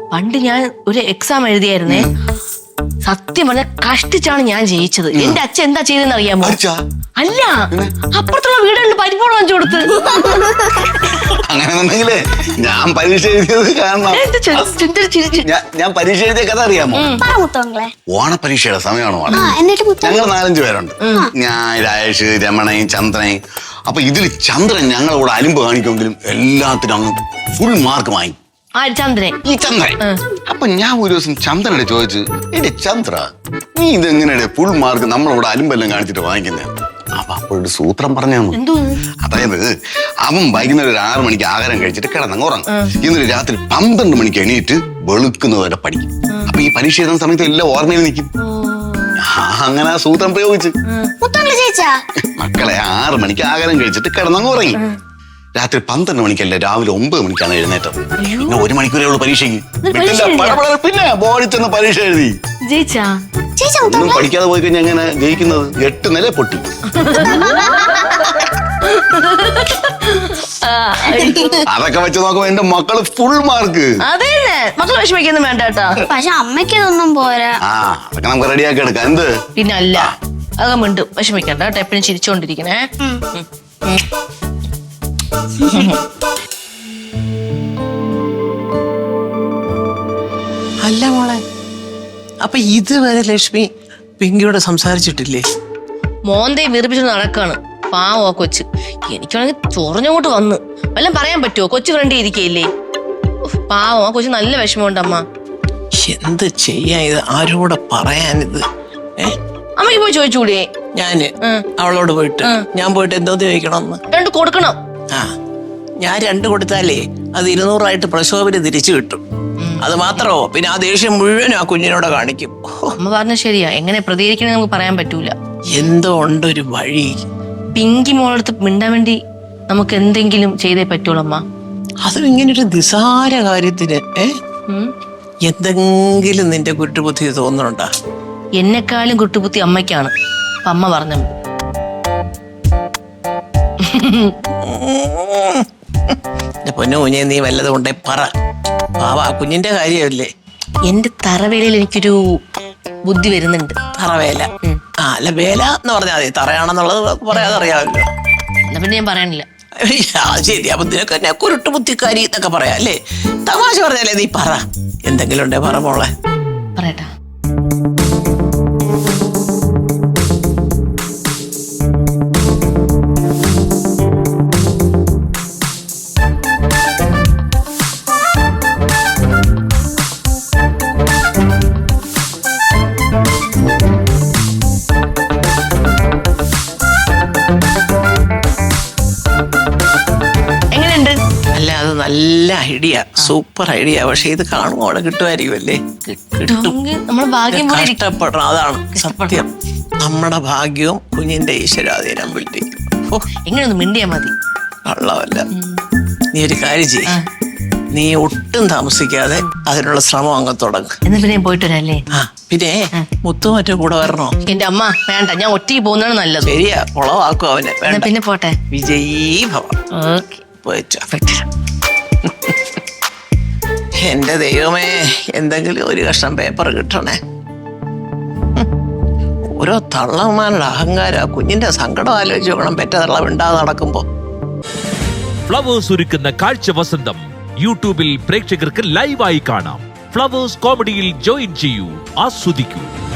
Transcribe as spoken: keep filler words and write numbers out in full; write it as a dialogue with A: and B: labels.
A: പണ്ട് ഞാൻ ഒരു എക്സാം എഴുതിയായിരുന്നേ. സത്യം പറഞ്ഞ കഷ്ടിച്ചാണ് ഞാൻ ജയിച്ചത്. എന്റെ അച്ഛൻ എന്താ ചെയ്തെന്ന് അറിയാമോ? അല്ല, അപ്പുറത്തുള്ള വീടുകളിൽ പരിപ്പോളം വാങ്ങിച്ചു കൊടുത്ത്.
B: അങ്ങനെന്നുണ്ടെങ്കിലേ ഞാൻ പരീക്ഷ എഴുതിയത് കാരണം ഞാൻ പരീക്ഷ എഴുതിയ കഥ അറിയാമോ? ഓണപരീക്ഷയുടെ സമയമാണ്. ഞങ്ങൾ നാലഞ്ചു പേരുണ്ട്. ഞാൻ, രാജേഷ്, രമണയും ചന്ദ്രയും. അപ്പൊ ഇതിൽ ചന്ദ്രൻ ഞങ്ങളോട് അലിമ്പ് കാണിക്കുമെങ്കിലും എല്ലാത്തിനും അങ്ങ് ഫുൾ മാർക്ക് വാങ്ങി.
A: ചന്ദ്രൻ
B: ഈ ചന്ദ്രൻ. അപ്പൊ ഞാൻ ഒരു ദിവസം ചന്ദ്രനോട് ചോദിച്ചു, എന്റെ ചന്ദ്ര, നീ ഇതെങ്ങനെയാണ് ഫുൾ മാർക്ക് നമ്മളോട് അലിമ്പെല്ലാം കാണിച്ചിട്ട് വാങ്ങിക്കുന്നത്? അപ്പൊ അപ്പോഴൊരു സൂത്രം പറഞ്ഞു. അതായത് അവൻ വൈകുന്നേരം ഒരു ആറു മണിക്ക് ആഹാരം കഴിച്ചിട്ട് കിടന്നങ്ങ് ഉറങ്ങും. ഇന്നൊരു രാത്രി പന്ത്രണ്ട് മണിക്ക് എണീറ്റ് വെളുക്കുന്നവരെ പഠിക്കും. അപ്പൊ ഈ പരീക്ഷ എഴുതുന്ന സമയത്ത് എല്ലാം ഓർമ്മയിൽ നിൽക്കും. അങ്ങനെ ആ സൂത്രം പ്രയോഗിച്ച് മക്കളെ ആറു മണിക്ക് ആഹാരം കഴിച്ചിട്ട് കിടന്നങ്ങ് ഉറങ്ങി. രാത്രി പന്ത്രണ്ട് മണിക്കല്ല, രാവിലെ ഒമ്പത് മണിക്കാണ് എഴുന്നേറ്റത്. പിന്നെ ഒരു മണിക്കൂറേ ഉള്ളൂ പരീക്ഷയ്ക്ക്. പിന്നെ ബോർഡിൽ ചെന്ന് പരീക്ഷ എഴുതി. ഒന്നും പഠിക്കാതെ പോയി കഴിഞ്ഞാൽ എങ്ങനെ ജയിക്കുന്നത്? എട്ട് നില പൊട്ടി. അതൊക്കെ വെച്ച് നോക്കുമ്പോ എന്റെ മക്കള് ഫുൾ മാർക്ക്.
A: അതെ, മക്കള് വിഷമിക്കൊന്നും വേണ്ട കേട്ടോ.
C: പക്ഷെ അമ്മയ്ക്ക് ഇതൊന്നും പോരാ.
B: ആ, അതൊക്കെ നമുക്ക് റെഡിയാക്കി എടുക്കാം. എന്ത്
A: പിന്നെ അല്ല, അതൊക്കെ മിണ്ടും വിഷമിക്കണ്ട കേട്ടോ. എപ്പോഴും ചിരിച്ചോണ്ടിരിക്കണേ.
D: അല്ല മോളെ, അപ്പൊ ഇതുവരെ ലക്ഷ്മി പിങ്കിയോട് സംസാരിച്ചിട്ടില്ലേ?
A: മോന്തേ വീർപ്പിച്ചിട്ട് നടക്കാണ്. പാവോ കൊച്ച്. എനിക്കാണെങ്കിൽ ചൊറഞ്ഞോട്ട് വന്ന് വല്ലതും പറയാൻ പറ്റുമോ? കൊച്ചു ഫ്രണ്ട് ഇരിക്കയില്ലേ? പാവം, ആ കൊച്ചു നല്ല വിഷമമുണ്ട് അമ്മ.
D: എന്ത് ചെയ്യാ ഇത്? ആരോടെ പറയാനിത്? ഏ
A: അമ്മയ്ക്ക് പോയി ചോദിച്ചൂടെ?
D: ഞാന് അവളോട് പോയിട്ട് ഞാൻ പോയിട്ട് എന്തോ ചോദിക്കണമെന്ന്?
A: രണ്ട് കൊടുക്കണം.
D: ആ, ഞാൻ രണ്ട് കൊടുത്താലേ അത് ഇരുന്നൂറായിട്ട് പ്രശോഭന് തിരിച്ചു കിട്ടും. അത് മാത്രമോ, പിന്നെ ആ ദേഷ്യം മുഴുവൻ ആ കുഞ്ഞിനോട് കാണിക്കും.
A: അമ്മ പറഞ്ഞ ശരിയാ. എങ്ങനെ പ്രതികരിക്കണേ നമുക്ക് പറയാൻ പറ്റൂല.
D: എന്തോ ഉണ്ടൊരു വഴി.
A: പിങ്കി മോളടുത്ത് മിണ്ടാൻ വേണ്ടി നമുക്ക് എന്തെങ്കിലും ചെയ്തേ പറ്റുള്ളൂ അമ്മ.
D: അതും ഇങ്ങനൊരു നിസാര കാര്യത്തിന് ഏ എന്തെങ്കിലും നിന്റെ കുറ്റബുദ്ധി തോന്നുന്നുണ്ടാ?
A: എന്നെക്കാളും കുട്ടുബുദ്ധി അമ്മയ്ക്കാണ്. അപ്പൊ അമ്മ പറഞ്ഞ
D: പൊന്നു കുഞ്ഞെ, നീ വല്ലതും ഉണ്ടേ പറ. പാവ കുഞ്ഞിന്റെ കാര്യമല്ലേ.
A: എന്റെ തറവേലയിൽ എനിക്കൊരു ബുദ്ധി വരുന്നുണ്ട്.
D: തറവേല? ആ, അല്ല, വേല എന്ന് പറഞ്ഞാൽ മതി. തറയാണെന്നുള്ളത് പറയാതെ അറിയാമല്ലോ.
A: എന്നാ പിന്നെ ഞാൻ പറയാനില്ല.
D: ശരി, അപ്പൊ നിനക്ക് കുരുട്ട് ബുദ്ധിക്കാരി എന്നൊക്കെ പറയാം അല്ലേ? തമാശ പറഞ്ഞാലേ നീ പറ. എന്തെങ്കിലും ഉണ്ടേ പറ മോളെ.
A: പറയട്ടാ.
D: നല്ല ഐഡിയ, സൂപ്പർ ഐഡിയ. പക്ഷെ ഇത് കാണുമ്പോ അവിടെ കിട്ടുമായിരിക്കുമല്ലേ? കഷ്ടപ്പെടണം, അതാണ് സത്യം. നമ്മുടെ ഭാഗ്യവും കുഞ്ഞിന്റെ ഈശ്വരാധീനം വിട്ടി.
A: എങ്ങനെയൊന്ന് മിണ്ടിയാ മതി.
D: കള്ളമല്ല. നീ ഒരു കാര്യം ചെയ്യ്, നീ ഒട്ടും താമസിക്കാതെ അതിനുള്ള ശ്രമം അങ്ങ് തുടങ്ങും.
A: എന്നാ പിന്നെ പോയിട്ട് വരാല്ലേ?
D: ആ, പിന്നെ മുത്തു മറ്റേ കൂടെ വരണോ?
A: എന്റെ അമ്മ വേണ്ട, ഞാൻ ഒറ്റയ്ക്ക് പോകുന്നതാണ് നല്ലത്.
D: ശരിയാ, കുളവാക്കും അവനെ.
A: പിന്നെ പോട്ടെ.
D: വിജയീ ഭവ. പോയിട്ടോ. എന്റെ ദൈവമേ, എന്തെങ്കിലും ഒരു കഷ്ണം പേപ്പർ കിട്ടണേ. ഓരോ തള്ളമാരുടെ അഹങ്കാര. കുഞ്ഞിന്റെ സങ്കടം ആലോചിച്ച് നോക്കണം, പെറ്റ തള്ളം ഉണ്ടാതെ നടക്കുമ്പോ.
E: ഫ്ലവേഴ്സ് ഒരുക്കുന്ന കാഴ്ച വസന്തം യൂട്യൂബിൽ പ്രേക്ഷകർക്ക് ലൈവായി കാണാം. ഫ്ലവേഴ്സ് കോമഡിയിൽ ജോയിൻ ചെയ്യൂ, ആസ്വദിക്കൂ.